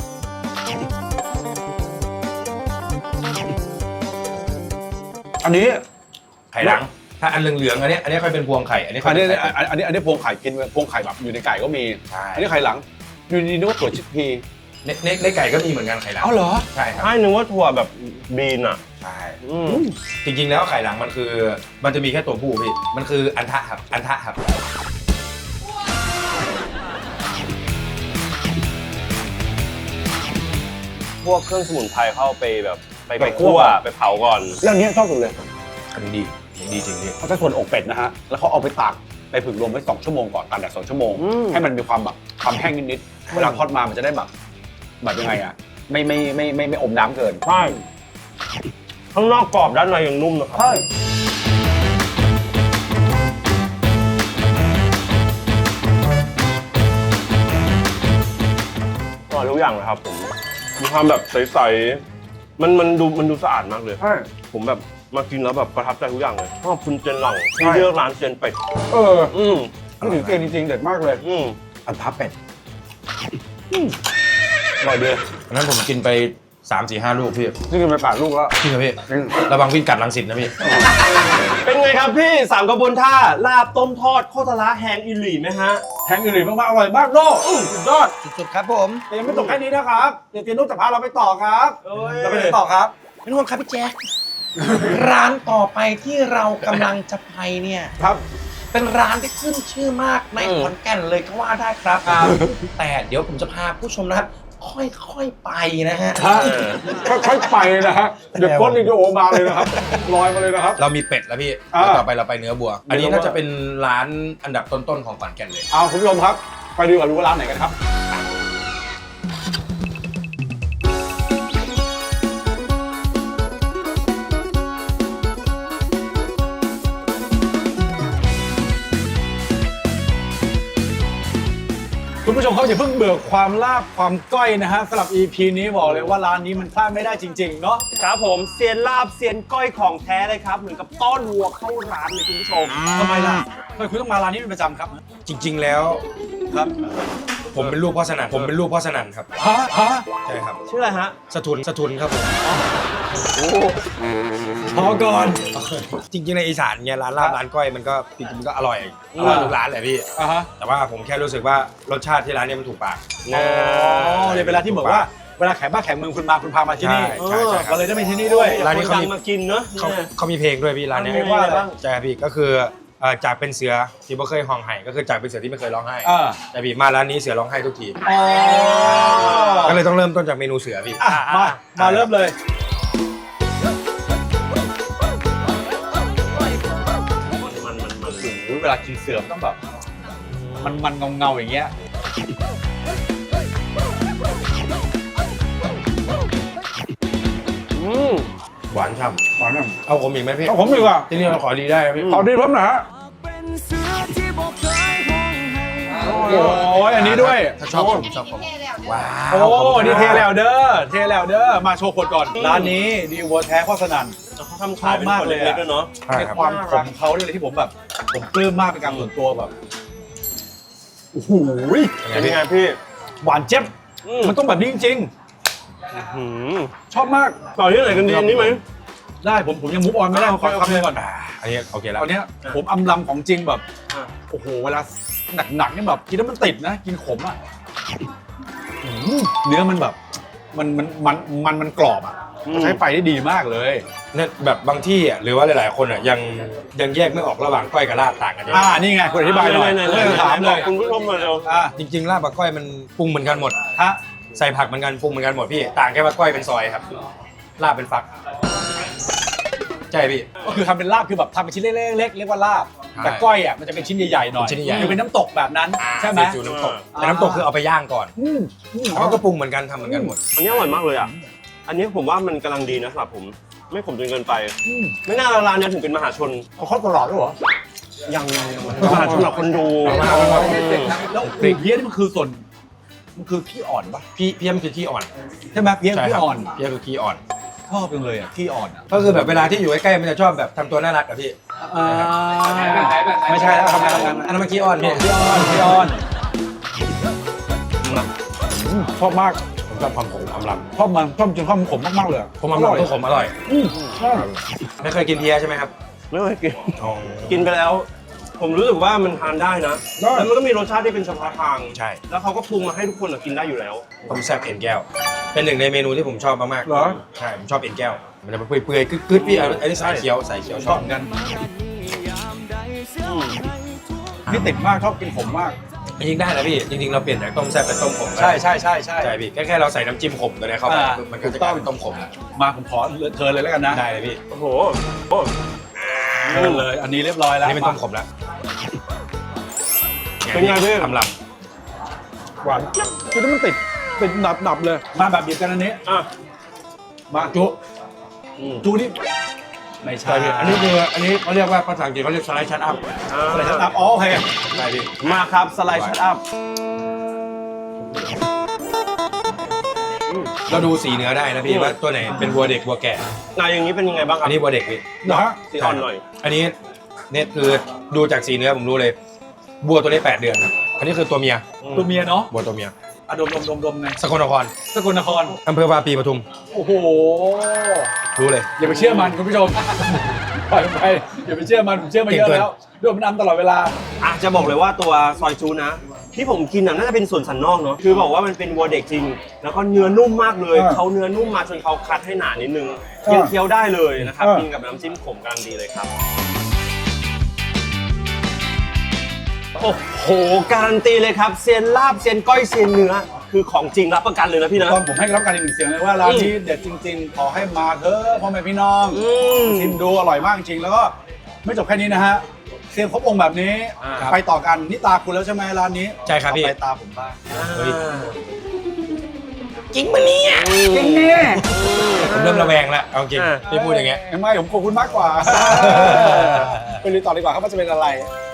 [SPEAKER 2] อันนี้
[SPEAKER 3] ไข่หลัง ถ้าอันเหลืองๆอันนี้อันนี้ค่อยเป็นพวงไข่ อันนี้ค่
[SPEAKER 2] อั
[SPEAKER 3] อย
[SPEAKER 2] น
[SPEAKER 3] เป็
[SPEAKER 2] นี้
[SPEAKER 3] นไข่
[SPEAKER 2] อันอันนี้อันนี้พวงไข่กินพวงไข่แบบอยู่ในไก่ก็มี
[SPEAKER 3] ใช่
[SPEAKER 2] อันนี้ไข่หลังอยู่ดีๆนึกว่าถั่วชิคพี
[SPEAKER 3] ในในในไก่ก็มีเหมือนกันไข่หลัง
[SPEAKER 2] อ้าวเหรอ
[SPEAKER 3] ใช่ครับ
[SPEAKER 1] ให้นึกว่าถั่วแบบบีนอ่ะ
[SPEAKER 3] ใช่
[SPEAKER 1] อืม
[SPEAKER 3] จริงๆแล้วไข่หลังมันคือ มันจะมีแค่ตัวผู้พี่ มันคืออันทะครับ อันทะครับ
[SPEAKER 1] พวกเครื่องสมุนไพรเข้าไปแบบไปไปคั่วไปเผาก่อน
[SPEAKER 2] เรื่องนี้ชอบสุดเลย
[SPEAKER 3] อันนี้ดีอันนี้ดีจริงพี่
[SPEAKER 2] เขาจะส่วนอกเป็ดนะฮะแล้วเขาเอาไปตากไปผึ่งลมไว้สองชั่วโมงก่อนตากแดดสองชั่วโมง
[SPEAKER 1] อืม
[SPEAKER 2] ให้มันมีความแบบความแห้งนิดๆเวลาทอดมามันจะได้แบบแบบยังไงอ่ะไม่ไม่ไม่ไม่ไม่อมน้ำเกิน
[SPEAKER 1] ใช่ข้างนอกกรอบด้านในยังนุ่มนะครับ
[SPEAKER 2] ใช่
[SPEAKER 1] อร่อยทุกอย่างเลยครับผมมีความแบบใสๆมันมันดูมันดูสะอาดมากเลย
[SPEAKER 2] ใช่
[SPEAKER 1] ผมแบบมากินแล้วแบบประทับใจทุกอย่างเลยชอบคุณเจนหลังที่เลือกร้านเจนเป็ด
[SPEAKER 2] เออ
[SPEAKER 1] อืม
[SPEAKER 2] นี่ถึงเก่งจริงๆเด็ดมากเลย
[SPEAKER 1] อืม
[SPEAKER 2] อันทับเป็ดอร่อยดี
[SPEAKER 3] วันนั้นผมกินไปสามสี่ห้าลูกพี่
[SPEAKER 2] นี่กินไปแปดลูกแล้ว
[SPEAKER 3] พี่ครับพี่ระวังวิ่งกัดรังสิตนะพี่
[SPEAKER 1] เป็นไงครับพี่สามกระบวนท่าลาบต้มทอดโคตรละแฮงอิหลี่ไหมฮะ
[SPEAKER 2] แทงอื่นๆมากๆอร่อยมากโลกสุดยอด
[SPEAKER 3] สุดๆครับผม
[SPEAKER 2] แต่ยังไม่จบแค่นี้นะครับเดี๋ยวเตียนุ๊กจะพาเราไปต่อครับ
[SPEAKER 1] เอ้ย
[SPEAKER 2] เราไปไหนต่อครับ
[SPEAKER 4] ไม่ต้องห่วงครับพี่แจ๊ค ร้านต่อไปที่เรากำลังจะไปเนี่ย
[SPEAKER 2] ครับ
[SPEAKER 4] เป็นร้านที่ขึ้นชื่อมากในขอนแก่นเลยก็ว่าได้ครับ แต่เดี๋ยวผมจะพาผู้ชมนะครับ ค่อยๆไปนะฮะ
[SPEAKER 2] ค่อยๆไปนะฮะเดี๋ยวก้นวิดีโอมาเลยนะครับลอยมาเลยนะครับ
[SPEAKER 3] เรามีเป็ดแล้วพี่
[SPEAKER 2] อ่า
[SPEAKER 3] แล้วต่อไปเราไปเนื้อบัว อันนี้น่าจะเป็นร้านอันดับต้นๆของขอนแก่นเลย
[SPEAKER 2] เอาคุณผู้ชมครับ ไปดูกันรู้ว่าร้านไหนกันครับ คุณผู้ชมเขาอย่าเพิ่งเบื่อความลาบความก้อยนะฮะสำหรับ อี พี นี้บอกเลยว่าร้านนี้มันพลาดไม่ได้จริงๆเนาะ
[SPEAKER 1] ครับผมเซียนลาบเซียนก้อยของแท้เลยครับเหมือนกับต้อนวัวเข้าร้านเลยคุณผู้ชม
[SPEAKER 2] ทำไมล่ะทำไมคุณต้องมาร้านนี้เป็นประจำครับ
[SPEAKER 3] จริง ๆ แล้ว
[SPEAKER 2] ครับ
[SPEAKER 3] ผมเป็นลูกพ่อสนั่นผมเป็นลูกพ่อสนั่นครับ
[SPEAKER 2] ฮะฮะ
[SPEAKER 3] ใช่ครับ
[SPEAKER 1] ชื่ออะไรฮะ
[SPEAKER 3] สะทุนสะทุนครับผม
[SPEAKER 2] พอก่อน
[SPEAKER 3] จริงๆในอีสานเนี่ยร้านลาบร้านก้อยมันก็จริงๆมันก็อร่อยอร่อยทุกร้านแหละพี่
[SPEAKER 2] อ่ะฮะ
[SPEAKER 3] แต่ว่าผมแค่รู้สึกว่ารสชาติที่ร้านเนี้มันถูกปาก
[SPEAKER 2] อ๋อเนี่ยเวลาที่บอกว่าเวลาแขกบ้านแขกเมืองคุณมาคุณพามาที่นี่
[SPEAKER 3] ใช่ใช่ใช่
[SPEAKER 2] เราเลยได้มาที่นี่ด้วย
[SPEAKER 3] ร้านนี้เขามี
[SPEAKER 1] คดังมากินเนอะ
[SPEAKER 3] เขา
[SPEAKER 1] เนี่ย
[SPEAKER 3] เขามีเพลงด้วยพี่ร้านเนี้ย
[SPEAKER 1] เพลงว่าอะไรบ้าง
[SPEAKER 3] ใช่ครับพี่ก็คือเอ่อจากเป็นเสือที่ไม่เคยห้องไห้ก็คือจากเป็นเสือที่ไม่เคยร้องไห้
[SPEAKER 2] อ่า
[SPEAKER 3] แต่พี่มาร้านนี้เสือร้องไห้ทุกที
[SPEAKER 2] อ๋อ
[SPEAKER 3] ก็เลยต้องเริ่มต้นจากเมนูเสือพี่
[SPEAKER 2] อ่ะมามาเริ่มเลยโอ้ยเวลากินเสือมนต้องแบบมันมันเงาเงาๆอย่างเงี้ย
[SPEAKER 1] อืม
[SPEAKER 3] หวานฉ่
[SPEAKER 2] หวานอ่ะ
[SPEAKER 3] ำเอาผมอีกไหมพี่
[SPEAKER 2] เอาผมดีกว่า
[SPEAKER 3] ที่นี่เราขอดีได้ไหมพี่
[SPEAKER 2] ขอดีผมหนะฮะโอ้ยอันนี้ด้วย
[SPEAKER 3] ถ้าชอบผมชอบผมว้าว
[SPEAKER 2] โอ้นี่เทแล้วเด้อเทแล้วเด้อมาโชว์ขวดก่อนร้านนี้ดีวัวแท้ข้อสนั่น
[SPEAKER 1] เขาทำขายเป็นคนเล็กๆด้วยเนาะ
[SPEAKER 3] ใช่
[SPEAKER 2] ใน
[SPEAKER 3] ครับ
[SPEAKER 2] ความขมเขาเนี่ยเลยที่ผมแบบ ผมปลื้มมากเป็นการส่วนตัวแบบโอ้โห
[SPEAKER 3] เป็นไง
[SPEAKER 1] เป็น
[SPEAKER 3] พี่
[SPEAKER 1] ไงพี่
[SPEAKER 2] หวานเจ็บ
[SPEAKER 1] อืม
[SPEAKER 2] มันต้องแบบนี้จริง
[SPEAKER 1] หืม
[SPEAKER 2] ๆ ชอบมาก
[SPEAKER 1] ต่อที่ไหนกันดีอันนี้ไหม
[SPEAKER 2] ได้ผมผมยังมุกออนไม่ได้
[SPEAKER 1] อ่า
[SPEAKER 2] ขอ
[SPEAKER 1] โอเค
[SPEAKER 2] คำหนึงก่อน
[SPEAKER 3] อ่าอันนี้โอเคแล้ว
[SPEAKER 2] ตอนเนี้ยผมอำลำของจริงแบบ
[SPEAKER 1] อ่ะ
[SPEAKER 2] โอ้โหเวลาหนักๆนี่แบบกินแล้วมันติดนะ กินขมอ่ะอืมเนื้อมันแบบ มันมันมันมันมันกรอบอ่ะใช้ไฟได้ดีมากเลย
[SPEAKER 3] เนี่ยแบบบางที่อ่ะหรือว่าหลายๆคนอ่ะยังยังแยกไม่ออกระหว่างก้อยกับลาบต่างกันเยอะ
[SPEAKER 2] อ่านี่ไงคุณอธิบายหน่อย
[SPEAKER 1] ไหนๆๆๆ
[SPEAKER 2] เรื่องถามเลย
[SPEAKER 1] บอกคุณผู้ชมมาเร็ว
[SPEAKER 2] อ่า
[SPEAKER 3] จริงๆลาบกับก้อยมันปรุงเหมือนกันหมด
[SPEAKER 2] ฮะ
[SPEAKER 3] ใส่ผักเหมือนกันปรุงเหมือนกันหมดพี่ต่างแค่ว่าก้อยเป็นซอยครับลาบเป็นฟักใช่พี่
[SPEAKER 2] ก็คือทำเป็นลาบคือแบบทำเป็นชิ้นเล็กๆเรียกว่าลาบ
[SPEAKER 3] ใช่
[SPEAKER 2] แต่ก้อยอ่ะมันจะเป็นชิ้นใหญ่ๆหน่อย
[SPEAKER 3] เป็นชิ้นใหญ่
[SPEAKER 2] คือเป็นน้ำตกแบบนั้นใช่ไหม
[SPEAKER 3] ซีอิ๊วน้ำตกแต่น้ำตกคือเอาไปย่างก่อน
[SPEAKER 2] อืมอืม
[SPEAKER 3] เขาก็ปรุงเหมือนกันทำเหมือนกันหมด
[SPEAKER 1] อันนี้อร่อยมากเลยอ่ะ อันนี้ผมว่ามันกำลังดีนะสำหรับผม ไม่ขมจนเกินไป
[SPEAKER 2] อืม
[SPEAKER 1] ไม่น่าร้านนี้ถึงเป็นมหาชน
[SPEAKER 2] เขาเข้าตลอดด้วยเหรอ
[SPEAKER 1] ยังยังยังมหาชนสำหรับคนดู
[SPEAKER 2] แล้วปีกเพี้ยนี่มันคือส่วนมันคือขี้อ่อนปะ
[SPEAKER 3] พี่พี่ยมคือขี้อ่อน
[SPEAKER 2] ใช่ไหมเพี้ย
[SPEAKER 3] ใช่
[SPEAKER 2] ขี้
[SPEAKER 3] ครับ
[SPEAKER 2] อ่อน
[SPEAKER 3] พี่ยมคือขี้อ่อน
[SPEAKER 2] ชอบจังเลยอ่ะขี้อ่อนอ่ะ
[SPEAKER 3] ก็คือแบบเวลาที่อยู่ใกล้ๆมันจะชอบแบบทำตัวน่ารักกับพี่
[SPEAKER 2] อ่าไม่ใช่แล้วทำงานทำงาน
[SPEAKER 3] อันนั้นมันขี้อ่อนพี่
[SPEAKER 2] ขี้อ่อนขี้อ่อนอืมชอบมาก
[SPEAKER 3] ผมชอบความขมความล
[SPEAKER 2] ชอบมันชอบจนชอบมันขมมากๆเลยอะ
[SPEAKER 3] ำผมความลำก็ขมอร่อย
[SPEAKER 2] อืมชอบ
[SPEAKER 3] ไม่เคยกินเพียใช่ไหมครับ
[SPEAKER 1] ไม่เคยกิน
[SPEAKER 3] อ๋อ
[SPEAKER 1] กินไปแล้ว ผมรู้สึกว่ามันทานได้นะ แล้วมันก็มีรสชาติที่เป็นเฉพาะทาง
[SPEAKER 3] ใช่
[SPEAKER 1] แล้วเขาก็ปรุงมาให้ทุกคนอะกินได้อยู่แล้ว
[SPEAKER 3] ต้มแซ่บเอ็นแก้ว เป็นหนึ่งในเมนูที่ผมชอบมากๆ
[SPEAKER 2] เหรอ
[SPEAKER 3] ใช่ผมชอบเอ็นแก้ว มันจะเปื่อยๆกึดๆพี่อันนี้สายเขียวสายเขียว
[SPEAKER 2] ช
[SPEAKER 3] ช
[SPEAKER 2] อ
[SPEAKER 3] อ
[SPEAKER 2] บบ เหมือนกัน
[SPEAKER 1] อืม
[SPEAKER 2] นี่ติดมากชอบกินขมมาก
[SPEAKER 3] จริงๆได้นะพี่ จริงๆเราเปลี่ยนจากต้มแซ่บเป็นต้มขมก็
[SPEAKER 2] ใช่
[SPEAKER 3] ได้
[SPEAKER 2] ใช่ใช่ใช่
[SPEAKER 3] ใช่พี่แค่แค่เราใส่น้ำจิ้มขมตัวนี้เข้าไป
[SPEAKER 2] อ่า
[SPEAKER 3] มันก็จะกลายเป็นต้มขมแล้ว
[SPEAKER 2] มาผมขอเชิญเลยแล้วกันนะ
[SPEAKER 3] ได้เลยพี่
[SPEAKER 1] โอ้โหโอ้
[SPEAKER 2] เชิญเลย อันนี้เรียบร้อย
[SPEAKER 3] อั
[SPEAKER 2] แล้ว
[SPEAKER 3] นนี้เป็นต้มขมแล้ว
[SPEAKER 1] เป็นไงพี่
[SPEAKER 3] ทำล
[SPEAKER 2] หวานคือถ้ามันติดติดหนับหนับเลย มาแบบเดียวกันอันนี้
[SPEAKER 1] อ่ะ
[SPEAKER 2] มาจุ
[SPEAKER 1] อ
[SPEAKER 2] จูนี่ไม่ใช่
[SPEAKER 3] อันนี้คืออันนี้เขาเรียกว่าภาษาอังกฤษเขาเรียกสไลด์ชัดอัพ
[SPEAKER 2] อะไรชัดอัพอ๋อโอเค
[SPEAKER 3] ใช่พี่
[SPEAKER 1] มาครับสไลด์ชัดอัพ
[SPEAKER 3] เราดูสีเนื้อได้นะพี่ว่าตัวไหนเป็นวัวเด็กวัวแก่
[SPEAKER 1] นายอย่างนี้เป็นยังไงบ้างครั
[SPEAKER 3] อั
[SPEAKER 1] บ
[SPEAKER 3] นนี้วัวเด็กพี่
[SPEAKER 2] เหรอฮะ
[SPEAKER 1] สีอ่อนหน่อย
[SPEAKER 3] อันนี้เนี่ยคือดูจากสีเนื้อผมรู้เลยวัวตัวนี้แปดเดือนครับอันนี้คือตัวเมีย
[SPEAKER 2] ตัวเมียเนาะ
[SPEAKER 3] วัวตัวเมีย
[SPEAKER 2] อะดมดมดมดมไง
[SPEAKER 3] สกลนคร
[SPEAKER 2] สกลนคร
[SPEAKER 3] อำเภอวาปีปทุม
[SPEAKER 2] โอ้โห
[SPEAKER 3] รู้เลย
[SPEAKER 2] อย่าไปเชื่อมันคุณผู้ชมปล่อยมันไปอย่าไปเชื่อมันผมเชื่อมาเยอะแล้วด้วยมันนำตลอดเวลา
[SPEAKER 1] อ่ะจะบอกเลยว่าตัวซอยจูนะ ที่ผมกินน่ะน่าจะเป็นส่วนสันนอกเนาะคือบอกว่ามันเป็นวัวเด็กจริง แล้วก็เนื้อนุ่มมากเลย
[SPEAKER 2] อ่า
[SPEAKER 1] เขาเนื้อนุ่มมาจนเขาคัดให้หนานิดนึง
[SPEAKER 2] อ่า
[SPEAKER 1] ยังเคี้ยวได้เลยนะครับ
[SPEAKER 2] อ่ากิ
[SPEAKER 1] กินกับน้ำจิ้มขมกำลังดีเลยครับโอ้โหการันตีเลยครับเซียนลาบเซียนก้อยเซียนเนื้อคือของจริงรับประกันเลยนะพี่นะ
[SPEAKER 2] ตอนผมให้รับการอีกหนึ่งเสียงเลยว่าร้านนี้เด็ดจริงๆ ขอให้มาเถอะพ่อแม่พี่น้อง
[SPEAKER 1] อืม
[SPEAKER 2] ชิมดูอร่อยมากจริงๆแล้วก็ไม่จบแค่นี้นะฮะเซียนครบองค์แบบนี้
[SPEAKER 1] อ่า
[SPEAKER 2] ไปต่อกันนี่ตาคุณแล้วใช่ไหมร้านนี้
[SPEAKER 3] ใช่ครับพี่
[SPEAKER 2] เอาไปตาผมบ้าง
[SPEAKER 3] เฮ้ย
[SPEAKER 4] จริงปะเนี่ย
[SPEAKER 2] จริงเนี่ย
[SPEAKER 3] ผมเริ่มระแวงแล้วเอาจริงพี่พูดอย่างเงี้ย
[SPEAKER 2] ไม่ผมขอบคุณมากกว่าไปดูต่อดีกว่าครับว่าจะเป็นอะไร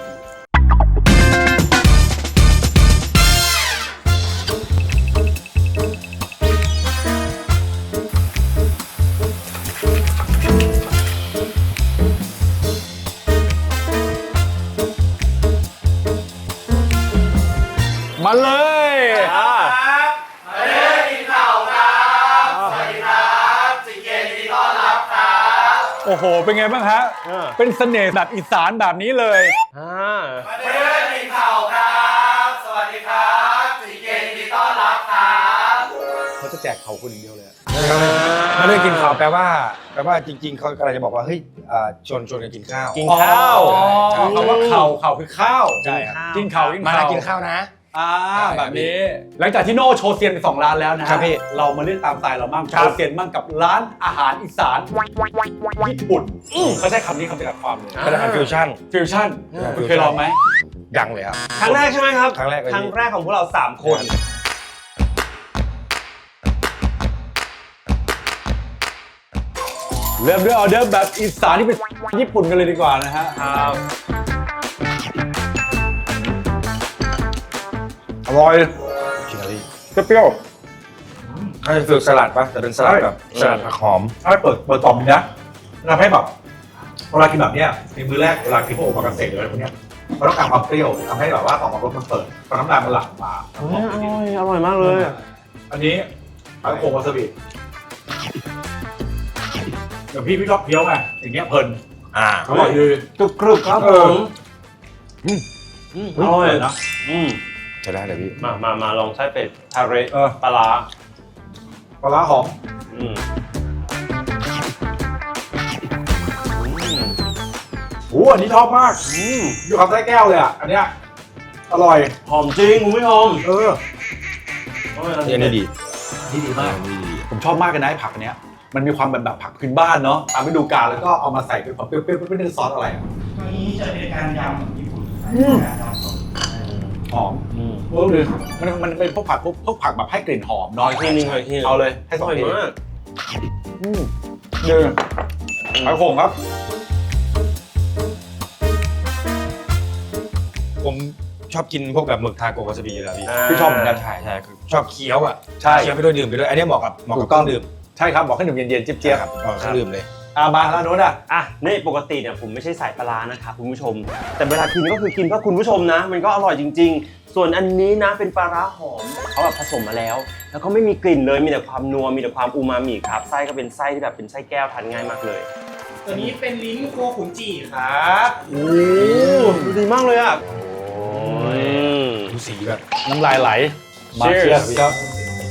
[SPEAKER 2] มาเลยอ่า โอ้โห เป็นไงบ้างฮะ เป็นเสน่ห์แบบอีสานแบบนี้เลย
[SPEAKER 1] อ่า
[SPEAKER 2] เขาจะแจกเขาคุณอย่างเดียวเลย
[SPEAKER 3] มาเรื่องกินข้าวแปลว่าแปลว่าจริง ๆเขากำลังจะบอกว่าเฮ้ยอ่าชวนชวนกันกินข้าว
[SPEAKER 1] กินข้าว
[SPEAKER 2] อ๋อคำว่าเข่าเข่าคือข้าว
[SPEAKER 3] ใช่ครับ
[SPEAKER 2] กินเข่ากิน
[SPEAKER 3] มา
[SPEAKER 2] เข่า
[SPEAKER 3] แล้วกินข้าวนะ
[SPEAKER 2] อ่าแบบนี้ หลังจากที่โน่โชว์เซียนไปสองร้านแล้วนะฮะ
[SPEAKER 3] ครับพี่
[SPEAKER 2] เรามาเล่นตามสไตล์เรามั่ง
[SPEAKER 3] ครั
[SPEAKER 2] โช
[SPEAKER 3] บ
[SPEAKER 2] ว์เซียนมั่งกับร้านอาหารอีสานญี่ปุ่นเขาใช้คำนี้คำจำกัดความเลย
[SPEAKER 3] เป็นอาหารฟิวชั่น
[SPEAKER 2] ฟิวชั่น
[SPEAKER 3] อ่า
[SPEAKER 2] คุณเคยลองไหม
[SPEAKER 3] ยังเลยครับ
[SPEAKER 1] ครั้งแรกใช่ไหมครับ
[SPEAKER 3] ครั้งแรกเลย
[SPEAKER 1] ครั้งแรกของพวกเราสามคน
[SPEAKER 2] เริ่มด้วยออเดอร์แบบอีสานที่เป็นญี่ปุ่นกันเลยดีกว่านะฮะ
[SPEAKER 1] ครับ
[SPEAKER 2] อร่อย
[SPEAKER 3] ชิลลี่
[SPEAKER 2] เปรี้ยว
[SPEAKER 3] เขาจะฝึกสลัดปะแต่เป็นสลัดแบบสลัดผักหอม
[SPEAKER 2] ๆถ้าเปิดเปิดต่อมนะทำให้แบบเวลากินแบบเนี้ยในมื้อแรกเวลากินพวกโอมากาเสะหรืออะไรพวกเนี้ยมันต้องการความเปรี้ยวทำให้แบบว่าต่อมรสมันเปิดพอน้ำลายมันหลั่งมา
[SPEAKER 1] อร่อยอร่อยมากเลย
[SPEAKER 2] อันนี้ผักโขมวาซาบิอย่างพี่พี่ชอบเคี้ยวไงอย่างเงี้ยเพลิน
[SPEAKER 3] อ่า
[SPEAKER 2] อร่อยดี
[SPEAKER 1] กรุบกรุบครับ
[SPEAKER 2] เอ
[SPEAKER 1] ผ
[SPEAKER 2] อ
[SPEAKER 1] มอืมอร่อย
[SPEAKER 2] นะ
[SPEAKER 1] อืม
[SPEAKER 3] ใช่ได้เลยพี่
[SPEAKER 1] มามามาลองไส้เป็ดทาเร
[SPEAKER 2] เออ
[SPEAKER 1] ปลาร้า
[SPEAKER 2] ปลาร้าหอม
[SPEAKER 1] อืมอืม
[SPEAKER 2] โอ้อันนี้ชอบมาก
[SPEAKER 1] อืม
[SPEAKER 2] อยู่คำไส้แก้วเลยอ่ะอันเนี้ยอร่อย
[SPEAKER 1] หอมจริงคุณผู้ชม
[SPEAKER 2] เออ
[SPEAKER 3] นี่อันนี้ดี
[SPEAKER 2] นี่ดีมาก
[SPEAKER 3] อันนี้ดี
[SPEAKER 2] ผมชอบมากเลยนะไอ้ผักอันเนี้ยมันมีความแบบแบบผักพื้นบ้านเนาะตามฤดูกาลแล้วก็เอามาใส่เป็นแบบเปรี้ยวๆไม่ได้ซอสอะไรอ่ะ
[SPEAKER 4] ตัวนี้จะเป็นการยำของญี่ปุ่น
[SPEAKER 2] หอม
[SPEAKER 1] อืม
[SPEAKER 2] เออเลยมันมันเป็นพวกผักพวกพวกผักแบบให้กลิ่นหอม
[SPEAKER 1] น้
[SPEAKER 2] เนาะ
[SPEAKER 1] อยทีนึงหน่อยทีนึง
[SPEAKER 2] เอาเลยให้
[SPEAKER 1] อ
[SPEAKER 2] สอง
[SPEAKER 1] ร่อย
[SPEAKER 2] ที
[SPEAKER 1] มาก
[SPEAKER 2] อืมเดือไข่โขงครับ
[SPEAKER 3] ผมชอบกินพวกแบบหมึกทาโกวาซาบิอยู่แล้วพี่
[SPEAKER 2] พี่ชอบเหมือนกัน
[SPEAKER 3] ใช่ใช่คือชอบเคี้ยวอ่ะ
[SPEAKER 2] ใช่
[SPEAKER 3] เคี้ยวไปด้วยดื่มไปด้วย อันนี้เหมาะกับเหมาะ
[SPEAKER 2] ถู
[SPEAKER 3] กับ
[SPEAKER 2] กต้อง
[SPEAKER 3] เครื่องดื่ม
[SPEAKER 2] ใช่ครับบอกให้หนุ่มเย็นๆเจี๊ยบ
[SPEAKER 3] ครับเหมาะกับเครื่องดื่มเลย
[SPEAKER 2] ๆอ่ามาแล้วโน้นอ่ะ
[SPEAKER 1] อ่ะนี่ปกติเนี่ยผมไม่ใช่สายปลาร้านะครับคุณผู้ชม แต่เวลากินก็คือกินเพื่อคุณผู้ชมนะ มันก็อร่อยจริง ๆ ส่วนอันนี้นะเป็นปลาร้าหอมเขาแบบผสมมาแล้ว แล้วก็ไม่มีกลิ่นเลยมีแต่ความนัวมีแต่ความอูมามิครับไส้ก็เป็นไส้ที่แบบเป็นไส้แก้วทานง่ายมากเลย
[SPEAKER 4] ตัวนี้เป็นลิ้นโคขุนจีครับ
[SPEAKER 1] โอ้ดูดีมากเลยอ่ะอืม
[SPEAKER 3] ดูสีแบบ
[SPEAKER 2] น้ำลายไหลมา
[SPEAKER 1] Cheers
[SPEAKER 2] เชียร์ครับ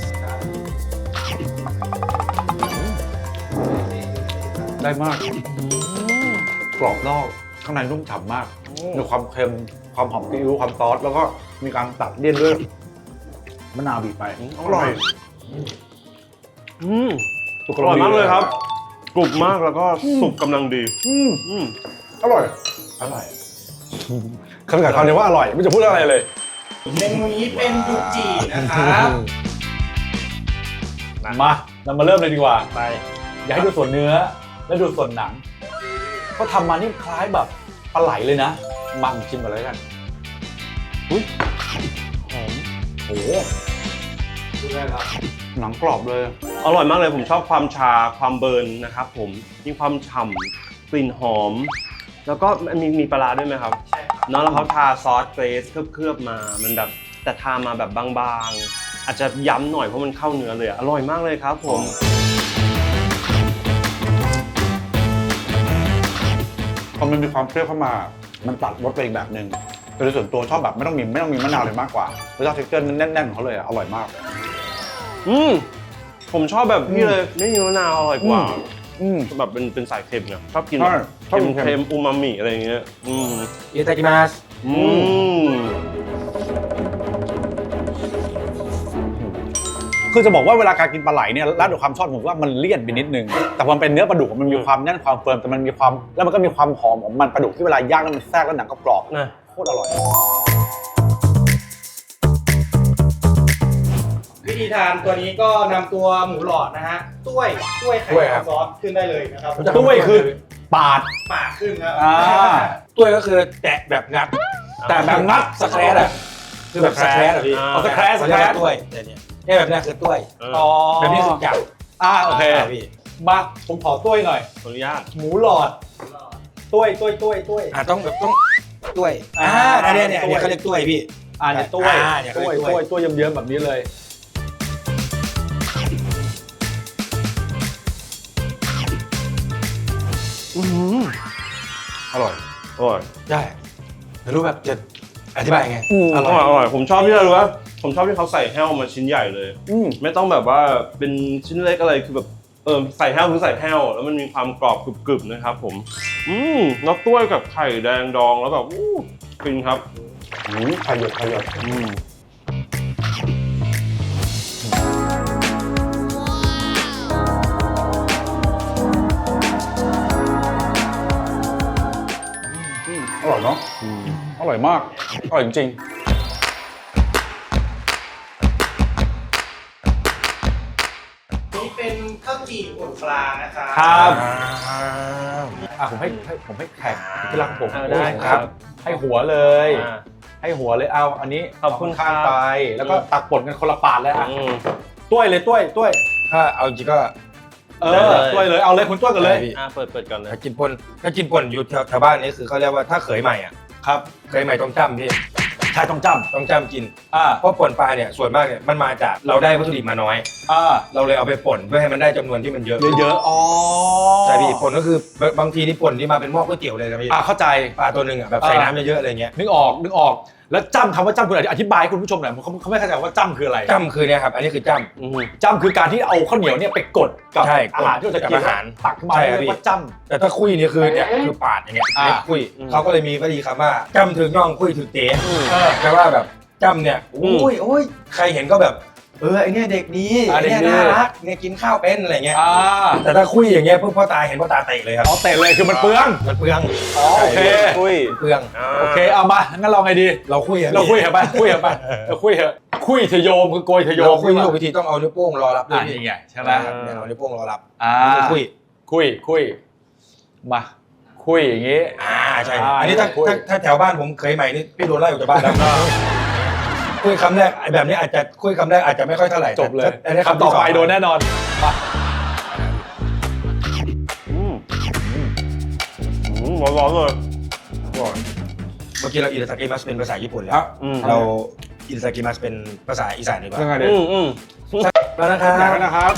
[SPEAKER 2] ได้มากกรอบนอกข้างในนุ่มฉ่ำมากมีความเค็มความหอมซีอิ๊วความซอสแล้วก็มีการตัดเลี่ยนด้วยมะนาวบีบไปอร่อย
[SPEAKER 1] อืมอร่อยมากเลยครับกรุบมากแล้วก็สุกกำลังดี
[SPEAKER 2] อืม
[SPEAKER 1] อืม
[SPEAKER 2] อร่อยอร่อยคำกับคำนี้ว่าอร่อยไม่จะพูดอะไรเลย
[SPEAKER 4] เมนูนี้เป็นยูจินะครับ
[SPEAKER 2] มาเรามาเริ่มเลยดีกว่า
[SPEAKER 1] ไป
[SPEAKER 2] อยากให้ดูส่วนเนื้อแล้วดูส่วนหนังเขาทำมานี่คล้ายแบบปลาไหลเลยนะมาผมชิมก่อนเลยกันอุ้ยหอมโอ้โหดูได้ครับหนังกรอบเลย
[SPEAKER 1] อร่อยมากเลยผมชอบความชาความเบิร์นนะครับผมมีความฉ่ำกลิ่นหอม แล้วก็มีมีปลาร้าด้วยไหมครับใช่ครับเนาะแล้วเขาทาซอสเกรซเคลือบๆมามันแบบแต่ทามาแบบบางๆอาจจะย้ำหน่อยเพราะมันเข้าเนื้อเลยอร่อยมากเลยครับผม
[SPEAKER 2] พอมันมีความเปรี้ยวเข้ามามันตัดรสไปอีกแบบหนึ่งโดยส่วนตัวชอบแบบไม่ต้องมีไม่ต้องมีมะนาวเลยมากกว่าแล้วชอบเท็กเจอร์แน่นๆของเขาเลยอร่อยมาก
[SPEAKER 1] อืมผมชอบแบบพี่เลยไม่มีมะนาวอร่อยกว่า
[SPEAKER 2] อืม
[SPEAKER 1] แบบเป็นเป็นสายเค็มเนี่ยชอบกิน
[SPEAKER 2] ใช่ชอบ
[SPEAKER 1] เค็
[SPEAKER 2] กิ
[SPEAKER 1] ม
[SPEAKER 2] นเค็ม
[SPEAKER 1] เค็มอูมามิอะไรอย่างเงี้ยอืม
[SPEAKER 3] อิตากิมัส
[SPEAKER 1] อืม
[SPEAKER 2] คือจะบอกว่าเวลาการกินปลาไหลเนี่ยแล้วด้วยความชอบผมว่ามันเลี่ยนไปนิดนึงแต่พอมันเป็นเนื้อปลาดุกมันมีความแน่นความเฟิร์มแต่มันมีความแล้วมันก็มีความหอมของมันปลาดุกที่เวลาย่างแล้วมันแทรกแล้วหนังก็กรอบ
[SPEAKER 1] นะ
[SPEAKER 2] โคตรอร่อย
[SPEAKER 5] วิธีทานตัวนี้ก็นำตัวหมูหลอดนะฮะต้วยต้วยไข่ดาวซอสขึ้นได้เลยนะครับ
[SPEAKER 2] ด้วยคือปาด
[SPEAKER 5] ปากขึ้นครับ
[SPEAKER 2] อ่า
[SPEAKER 3] ต้วยก็คือแตะแบบงัด
[SPEAKER 2] แต่แบบงัด
[SPEAKER 3] สแครดอะคือแบบสแครดอะพี่
[SPEAKER 2] เอาสแครดส
[SPEAKER 3] เขา
[SPEAKER 2] แค
[SPEAKER 3] เรียก
[SPEAKER 2] รด
[SPEAKER 3] ว่าต้วยแต่เนี่ยเนี่ยแบบเนี้ยคือต้วย
[SPEAKER 2] อ๋อ
[SPEAKER 3] แบบนี้คือจับ
[SPEAKER 2] อ่าโอเค
[SPEAKER 3] ใช่พี่
[SPEAKER 2] มาผมขอต้วยหน่อย
[SPEAKER 1] ขออนุญาต
[SPEAKER 2] หมูหลอดต้วยต้วยต้วยต้วย
[SPEAKER 3] อ่าต้องแบบต้องต้วย
[SPEAKER 2] อ่า
[SPEAKER 3] อ่าเนี่ยเนี่ยเนี่ยเขาเรียกต้วยพี่
[SPEAKER 2] อ่าเนี่ยต้วย
[SPEAKER 3] อ่าเนี่ยเขา
[SPEAKER 2] ต้วย
[SPEAKER 3] เรียกต้
[SPEAKER 2] ต้
[SPEAKER 3] ว
[SPEAKER 2] วย ยต้วยเยิ้มๆแบบนี้เลยอร่อย
[SPEAKER 1] อร่อย
[SPEAKER 3] ได้ไม่รู้แบบจะอธิบายยังไง
[SPEAKER 2] อืม
[SPEAKER 3] อ
[SPEAKER 1] อ
[SPEAKER 3] ร่
[SPEAKER 1] ร่
[SPEAKER 3] อ
[SPEAKER 1] อย ยอร่อยผมชอบที่อะไรรู้ป่ะผมชอบที่เขาใส่แห้วมาชิ้นใหญ่เลย
[SPEAKER 2] อืม
[SPEAKER 1] ไม่ต้องแบบว่าเป็นชิ้นเล็กอะไรคือแบบเออใส่แห้วคือใส่แห้วแล้วมันมีความกรอบกรึบๆนะครับผมอืมแล้วกล้วยกับไข่แดงดองแล้วแบบอู้ฟินครับ
[SPEAKER 2] อืมไข่หยดไข่หยด
[SPEAKER 1] อืม
[SPEAKER 2] อร่อยเนาะอร่อยมากอร่อยจริง
[SPEAKER 5] นี่เป็นข้าวจี่ป่นปลานะครับ
[SPEAKER 2] ๆครับ
[SPEAKER 3] อ่า
[SPEAKER 2] อ่ะผมให้ให้ผมให้แขกที่รักผม
[SPEAKER 1] เอาได้ครับ
[SPEAKER 2] ให้หัวเลย
[SPEAKER 1] อ่า
[SPEAKER 2] ให้หัวเลยเอาอันนี้
[SPEAKER 1] ขอบคุณ
[SPEAKER 2] ข้าง
[SPEAKER 1] ครับ
[SPEAKER 2] ไปแล้วก็ตักป่นกันคนละปาดเลยอ่ะ
[SPEAKER 1] อืม
[SPEAKER 2] ต้วยเลยต้วยต้วย
[SPEAKER 3] ถ้าเอาจริงก็
[SPEAKER 2] เอ
[SPEAKER 1] ได้
[SPEAKER 2] อ
[SPEAKER 1] เลย
[SPEAKER 2] ต้วยเลยเอาเลยคุณต้วยกันเลย
[SPEAKER 3] ได้พี่
[SPEAKER 1] อ่าเปิดเปิดก่อนเลย
[SPEAKER 3] ถ้ากินป่นถ้ากินป่นอยู่แถวแถวบ้านนี้คือเขาเรียกว่าถ้าเขยใหม่อ่ะ
[SPEAKER 2] ครับ
[SPEAKER 3] เขยใหม่ต้องจำพี่
[SPEAKER 2] ใช่ต้องจ
[SPEAKER 3] ต้องจำกิน
[SPEAKER 2] ำอ่า
[SPEAKER 3] เพราะป่นปลาเนี่ยส่วนมากเนี่ยมันมาจากเราได้วัตถุดิบมาน้อย
[SPEAKER 2] อ่า
[SPEAKER 3] เราเลยเอาไปป่นเพื่อให้มันได้จำนวนที่มันเยอะ
[SPEAKER 2] เยอะๆอ๋อ
[SPEAKER 3] ใช่พี่ป่นก็คือบางทีนี่ป่นที่มาเป็นหม้อก๋วยเตี๋ยวเลยนะพี่
[SPEAKER 2] อ่าเข้าใจ
[SPEAKER 3] ปลาตัวหนึ่งอ่ะแบบใส่น้ำเยอะๆอะไรเงี้ย
[SPEAKER 2] นึกออกนึกออกแล้วจ้ำคำว่าจ้ำคุณอธิบายให้คุณผู้ชมหน่อยเขาเขาไม่เข้าใจว่าจ้ำคืออะไร
[SPEAKER 3] จ้ำคือเนี่ยครับอันนี้คือจ้
[SPEAKER 1] อืม
[SPEAKER 2] จ้ำคือการที่เอาข้าวเหนียวเนี่ยไปกดกับ
[SPEAKER 3] ใช่
[SPEAKER 2] อาหารที่เราจะกิน
[SPEAKER 3] กับอาหาร
[SPEAKER 2] ตักขึ้นมา
[SPEAKER 3] ใช่
[SPEAKER 2] เรี
[SPEAKER 3] ครับ
[SPEAKER 2] ยกว่าจ้ำ
[SPEAKER 3] ำแต่ถ้าคุยเนี่ยคือเนี่ยคือปาดอย่างเงี้ย
[SPEAKER 2] อ่า
[SPEAKER 3] เรียกคุยเขาก็เลยมีวลีคำว่าจ้ำถึงน่องคุยถึงเต๋
[SPEAKER 2] เออ
[SPEAKER 3] แปลว่าแบบจ้ำเนี่ย
[SPEAKER 1] อืม
[SPEAKER 3] โอ้ยโอ้ยใครเห็นก็แบบเออไอเนี่ยเด็กดี
[SPEAKER 2] อ่า
[SPEAKER 3] ไอเนี่ย
[SPEAKER 2] เด็กดี
[SPEAKER 3] น่ารักเนี่ยกินข้าวเป็นอะไรเงี้ย
[SPEAKER 2] อ่า
[SPEAKER 3] แต่ถ้าคุยอย่างเงี้ยเพิ่งพ่อตาเห็นพ่อตาเตะเลยครับ
[SPEAKER 2] เอาเตะเลยคือมันเปลือง
[SPEAKER 3] มันเปลือง
[SPEAKER 2] อ๋อโอเค
[SPEAKER 1] คุย
[SPEAKER 3] เปลือง
[SPEAKER 2] โอเคเอามางั้นเราไงดี
[SPEAKER 3] เราคุยอะ
[SPEAKER 2] เราคุยเหรอไปคุยเหรอไปเราคุยเหรอคุยเถอะโยมคือโกยเถอะโย
[SPEAKER 3] เรา
[SPEAKER 2] ม
[SPEAKER 3] คุยถูกวิธีต้องเอานิ้วโป้งรอรับด้ว
[SPEAKER 2] อ่าย
[SPEAKER 3] พี่
[SPEAKER 2] นี่ไงใช่ไหม
[SPEAKER 3] นะครับเนี่ยเอานิ้วโป้งรอรับ
[SPEAKER 2] อ่า
[SPEAKER 3] นี่คือคุย
[SPEAKER 2] คุยคุยมาคุยอย่างงี้
[SPEAKER 3] อ่าใช่
[SPEAKER 2] อ่า
[SPEAKER 3] อันนี้ถ้า
[SPEAKER 2] คุย
[SPEAKER 3] ถ้าถ้าแถวบ้านผมเคยใหม่นี่พี่โดนไล่ออกจากบ้านแล้วคุยคำแรกไอ้แบบนี้อาจจะคุยคำแรกอาจจะไม่ค่อยเท่าไหร่
[SPEAKER 2] จบเลย
[SPEAKER 3] แต่อันนี้
[SPEAKER 2] คำต่อไปโดนแน่นอนมา
[SPEAKER 1] อืมอืมร้อนๆเลย
[SPEAKER 3] เมื่อกี้เราอินสตากิมัสเป็นภาษาญี่ปุ่นแล้ว
[SPEAKER 1] อืม
[SPEAKER 3] เราอินสตากิมัสเป็นภาษาอีสานดีกว่า
[SPEAKER 2] ยังไงดี
[SPEAKER 1] อืมอืม
[SPEAKER 3] แล้วนะครับ
[SPEAKER 2] อยากให้นะครับ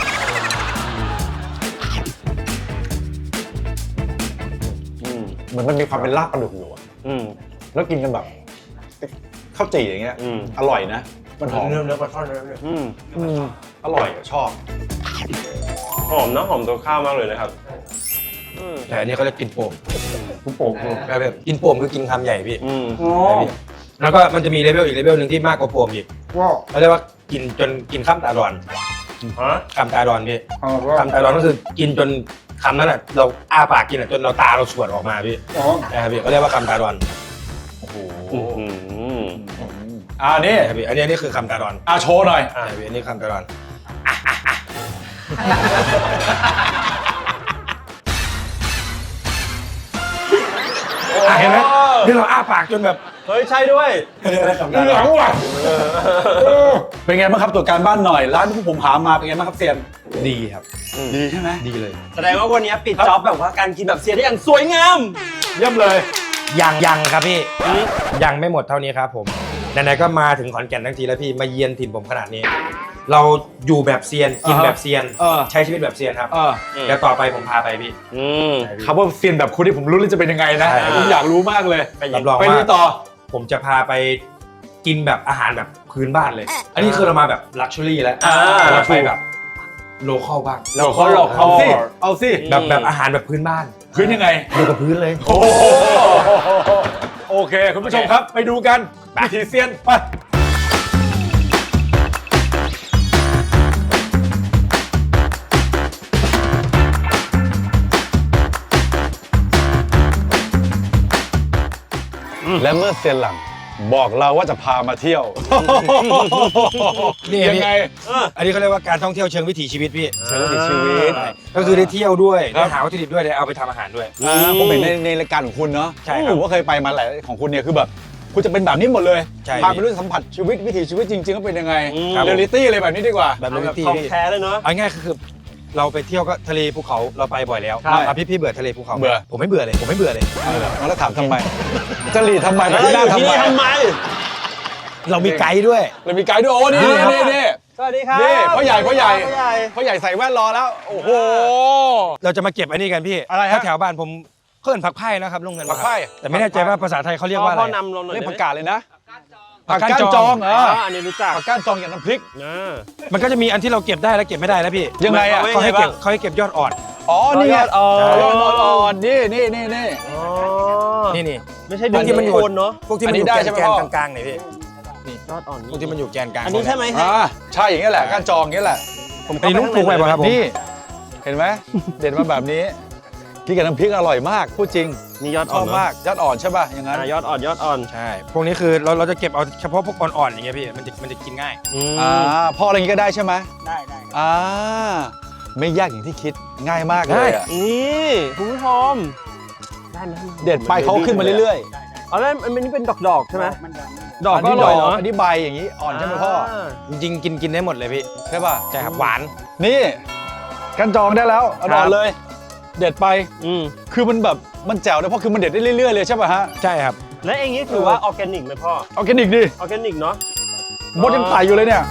[SPEAKER 2] อืมเหมือนมันมีความเป็นลาบปลาดุกอยู่อะ
[SPEAKER 1] อืม
[SPEAKER 2] แล้วกินกันแบบข้าวจี่อย่างเงี้ย
[SPEAKER 1] อืม
[SPEAKER 2] อร่อยนะ มันหอม
[SPEAKER 3] เนื้อเนื้อปลาช่อนเนื้อเนื้อ
[SPEAKER 1] อืม
[SPEAKER 2] อืมอร่อยอะชอบ
[SPEAKER 1] หอมนะหอมตัวข้าวมากเลยนะครับอืม
[SPEAKER 3] แต่อันนี้เขาเรียกกินโป่ง
[SPEAKER 2] คุณโป่ง
[SPEAKER 3] แบบกินโป่งคือกินคำใหญ่พี่
[SPEAKER 1] อืม
[SPEAKER 2] อ๋อ
[SPEAKER 3] แล้วก็มันจะมีเลเวลอีกเลเวลหนึ่งที่มากกว่าโป่งอีก
[SPEAKER 2] ว้าว
[SPEAKER 3] เขาเรียกว่ากินจนกินข้ามตาดอน
[SPEAKER 1] ฮะ
[SPEAKER 3] คำตาดอนพี่
[SPEAKER 2] อ๋อว้าว
[SPEAKER 3] คำตาดอนก็คือกินจนคำนั้นอ่ะเราอ้าปากกินอ่ะจนเราตาเราสวดออกมาพี่
[SPEAKER 2] อ๋อ
[SPEAKER 3] นะครับพี่เขาเรียกว่าคำตาดอน
[SPEAKER 2] โอ้โห
[SPEAKER 1] อืม
[SPEAKER 2] อ่านี่
[SPEAKER 3] นะครับพี่อันนี้อันนี้คือคำตาดอน
[SPEAKER 2] อ่าโชว์หน่อย
[SPEAKER 3] อ่าพี่อันนี้คำตาดอนเห็นไหมที่เราอ้าปากจนแบบ
[SPEAKER 1] เฮ้ยใช่ด้วย
[SPEAKER 2] หลังว่ะเป็นไงบ้างครับตัวการบ้านหน่อยร้านที่ผมหามาเป็นไงบ้างครับเซียน
[SPEAKER 3] ดีครับ
[SPEAKER 2] ดีใช่ไหม
[SPEAKER 3] ดีเลย
[SPEAKER 1] แสดงว่าวันนี้ปิดจ็อบแบบว่าการกินแบบเซียนได้อย่างสวยงาม
[SPEAKER 2] เยี่ยมเลย
[SPEAKER 3] ยังยังครับพี่ยังไม่หมดเท่านี้ครับผมไหนๆก็มาถึงขอนแก่นทั้งทีแล้วพี่มาเยือนถิ่นผมขนาดนี้ เราอยู่แบบเซียนกินแบบเซียน
[SPEAKER 2] เออ
[SPEAKER 3] ใช้ชีวิตแบบเซียนครับ
[SPEAKER 2] เออ
[SPEAKER 3] แล้วต่อไปผมพาไปพี่
[SPEAKER 1] อืม
[SPEAKER 2] คำว่าเซียนแบบคุณที่ผมรู้เลยจะเป็นยังไงนะ
[SPEAKER 3] ใช่
[SPEAKER 2] ผมอยากรู้มากเลย
[SPEAKER 3] รับรอง
[SPEAKER 2] ไป
[SPEAKER 3] ว่า
[SPEAKER 2] ดูต่อ
[SPEAKER 3] ผมจะพาไปกินแบบอาหารแบบพื้นบ้านเลย อันนี้คือเรามาแบบลักชัวรี่แล้ว
[SPEAKER 1] อ่า
[SPEAKER 3] เราไปแบบโลคอลบ้าง
[SPEAKER 1] เราเขาหลอก
[SPEAKER 2] เอาสิเอาสิ
[SPEAKER 3] แบบแบบอาหารแบบพื้นบ้าน
[SPEAKER 2] พื้นยังไง
[SPEAKER 3] อยู่กับพื้นเลย
[SPEAKER 2] โอ้โหโอเค คุณผู้ชมครับไปดูกันวิถีเซียนไปและเมื่อเซียนหลังบอกเราว่าจะพามาเที่ยว
[SPEAKER 3] นี่
[SPEAKER 2] ยัง
[SPEAKER 3] พี่
[SPEAKER 2] ไง
[SPEAKER 3] อันนี้เขาเรียกว่าการท่องเที่ยวเชิงวิถีชีวิตพี่
[SPEAKER 2] เชิงวิถีชีวิต
[SPEAKER 3] ใช่ก็คือได้เที่ยวด้วย
[SPEAKER 2] ครั
[SPEAKER 3] ได้
[SPEAKER 2] บ
[SPEAKER 3] หาวัตถุดิบด้วยได้เอาไปทำอาหารด้วย
[SPEAKER 2] อ่าผมเห็นในในรายการของคุณเนาะ
[SPEAKER 3] ใช่ครับ
[SPEAKER 2] ผมก็เคยไปมาหลายของคุณเนี่ยคือแบบคุณจะเป็นแบบนี้หมดเลย
[SPEAKER 3] ใช่
[SPEAKER 2] พาไปรู้สัมผัสชีวิตวิถีชีวิตจริงๆก็เป็นยังไง
[SPEAKER 3] ครับ
[SPEAKER 2] เรียลลิตี้เลยแบบนี้ดีกว่า
[SPEAKER 3] แบบ
[SPEAKER 1] เอา
[SPEAKER 3] นี้
[SPEAKER 1] แบบ
[SPEAKER 3] พี่
[SPEAKER 1] ของ
[SPEAKER 3] พี่
[SPEAKER 1] แท้เลยเนาะ
[SPEAKER 3] เอาง่ายๆคือเราไปเที่ยวก็ทะเลภูเขาเราไปบ่อยแล้ว
[SPEAKER 2] ครับ
[SPEAKER 3] อ่ะพี่พี่เบื่อทะเลภูเขาไหม
[SPEAKER 2] เบื่อ
[SPEAKER 3] ผมไม่เบื่อเลยผมไม่เบื่อเลย
[SPEAKER 2] แล้วถามทำไมจะหลีดทำไมไป
[SPEAKER 1] เฮ้ย
[SPEAKER 2] ที่
[SPEAKER 1] อ
[SPEAKER 2] หน้า
[SPEAKER 1] ยู่ที่
[SPEAKER 2] ทำไม
[SPEAKER 1] นี่ทำไม
[SPEAKER 3] เรามีไกด์ด้วย
[SPEAKER 2] เรามีไกด์ด้วยโอ้นี่
[SPEAKER 3] ครับ
[SPEAKER 2] นี่นี่
[SPEAKER 1] สวัสดีครับ
[SPEAKER 2] นี่พ่อใหญ่พ่อใหญ่
[SPEAKER 1] พ่อใหญ่
[SPEAKER 2] พ่อใหญ่ใส่แว่นรอแล้ว โอ้โห
[SPEAKER 3] เราจะมาเก็บอันนี้กันพี่
[SPEAKER 2] อะไรฮะ
[SPEAKER 3] ถ้าแถวบ้านผมเพื่อนผักไผ่นะครับลุงเงิน
[SPEAKER 2] ผักไผ่
[SPEAKER 3] แต่ไม่แน่ใจว่าภาษาไทยเขาเรียกว่าอะไร
[SPEAKER 1] พ่อนำเราหน่อย
[SPEAKER 2] เรียก
[SPEAKER 1] ได้
[SPEAKER 2] ผั
[SPEAKER 1] ไห
[SPEAKER 2] ก
[SPEAKER 1] ม
[SPEAKER 2] กาดเลยนะ
[SPEAKER 3] ผักก้านจอง
[SPEAKER 2] เอ
[SPEAKER 1] อ๋
[SPEAKER 2] อ
[SPEAKER 1] ออันนี้รู้จัก
[SPEAKER 2] ผักก้านจองกับน้ำพริก
[SPEAKER 1] นะ
[SPEAKER 3] มันก็จะมีอันที่เราเก็บได้และเก็บไม่ได้นะพี่
[SPEAKER 2] ยังไงอ่ะ
[SPEAKER 3] เขาให้เก็บ
[SPEAKER 1] ยังไงบ้าง
[SPEAKER 3] เขาให้เก็บยอดอ่อน
[SPEAKER 2] อ๋อนี่ไง
[SPEAKER 1] ยอดอ่อน
[SPEAKER 2] ยอดอ่อนๆนี่นี่นี่นี่
[SPEAKER 1] อ๋อ
[SPEAKER 3] นี่นี่
[SPEAKER 1] ไม่ใช่
[SPEAKER 3] พวกที่มันอยู่
[SPEAKER 1] โคนเนาะ
[SPEAKER 3] พวกที่มันอยู่
[SPEAKER 2] อันนี้ได้
[SPEAKER 3] แกน
[SPEAKER 2] ใช่ไหม
[SPEAKER 3] แกน
[SPEAKER 2] พ่อ
[SPEAKER 3] กลางๆเนี่ยพี่
[SPEAKER 1] ยอดอ่อน
[SPEAKER 3] พวกที่มันอยู่แกนกลาง
[SPEAKER 1] อันนี้ใช่ไหมฮะ
[SPEAKER 2] อ่าใช่อย่างนี้แหละก้านจองอย่างนี้แหละ
[SPEAKER 1] ผม
[SPEAKER 3] อันนี้ลุงปลูกไว้ป่ะครับผม
[SPEAKER 2] นี่เห็นไหมเด็ดมาแบบนี้กินกับน้ำพริกอร่อยมากพูดจริง
[SPEAKER 1] นี่ยอด
[SPEAKER 2] ช
[SPEAKER 1] อ่อ
[SPEAKER 2] อน บ
[SPEAKER 1] เนอะ
[SPEAKER 2] มากยอดอ่อนใช่ป่ะอย่างนั้น
[SPEAKER 1] อ่ะยอดอ่อนยอดอ่อน
[SPEAKER 3] ใช่พวกนี้คือเราเราจะเก็บเอาเฉพาะพวกอ่อนๆอย่างเงี้ยพี่มันจะมันจะกินง่าย
[SPEAKER 1] อืม
[SPEAKER 2] อ่าพ่ออะไรอย่างนี้ก็ได้ใช่ไหม
[SPEAKER 5] ได้ได้
[SPEAKER 2] อ่าไม่ยากอย่างที่คิดง่ายมากเลยอะ
[SPEAKER 1] นี่คุณผู้ชมได้ไหม
[SPEAKER 2] เด็ดไปเขาขึ้นมาเรื่อย
[SPEAKER 1] ๆอ๋อแล้วอันนี้เป็นดอกๆใช่ไหม
[SPEAKER 5] มันดัง
[SPEAKER 2] ๆ
[SPEAKER 1] ดอกก็อร่อยเนาะ
[SPEAKER 2] อันนี้ใบอย่างนี้อ่อนใช่ไหมพ่อ
[SPEAKER 3] จริงๆกินกินได้หมดเลยพี่
[SPEAKER 2] ใช่ป่ะ
[SPEAKER 3] ใช่ครับหวาน
[SPEAKER 2] นี่กันจองได้แล้วเอาดอนเลย เด็ดไป
[SPEAKER 1] อืม
[SPEAKER 2] คือมันแบบมันแจ๋วเลยเพราะคือมันเด็ดได้เรื่อยๆเลยใช่ป่ะฮะ
[SPEAKER 3] ใช่ครับ
[SPEAKER 1] และเองนี้ถือว่าออร์แกนิกไหมพ่อ
[SPEAKER 2] ออร์แกนิกดิ
[SPEAKER 1] ออร์แกนิกเนาะ
[SPEAKER 2] มดยังไต่อยู่เลยเนี่ย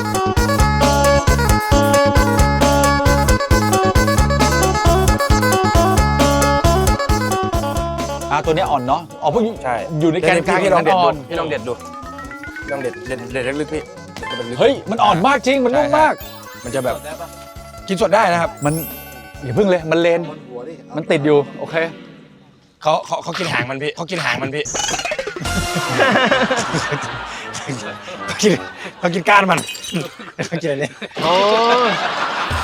[SPEAKER 2] อ่าตัวเนี้ยอ่อนเนาะอ๋อพวกอยู่
[SPEAKER 3] ใช่
[SPEAKER 2] อยู่ในแกนกลาง
[SPEAKER 3] พี่ลองเด็ด
[SPEAKER 2] อ่
[SPEAKER 3] ดู
[SPEAKER 2] อน
[SPEAKER 3] พี่ลองเด็ดดูลองเด็ดเด็ดเด็ดลึกๆพี่เด็ดลึกๆ
[SPEAKER 2] เฮ้ยมันอ่อนมากจริงมันนุ่มมาก
[SPEAKER 3] มันจะแบบกินสดได้นะครับ
[SPEAKER 2] มันอย่าเพิ่งเลยมันเลนมันติดอยู่โอเค
[SPEAKER 3] เขาเขาเขากินหางมันพี่เขากินหางมันพี่ เขากินเขากินก้านมันเขากินอะไรเนี่ย
[SPEAKER 1] อ๋อ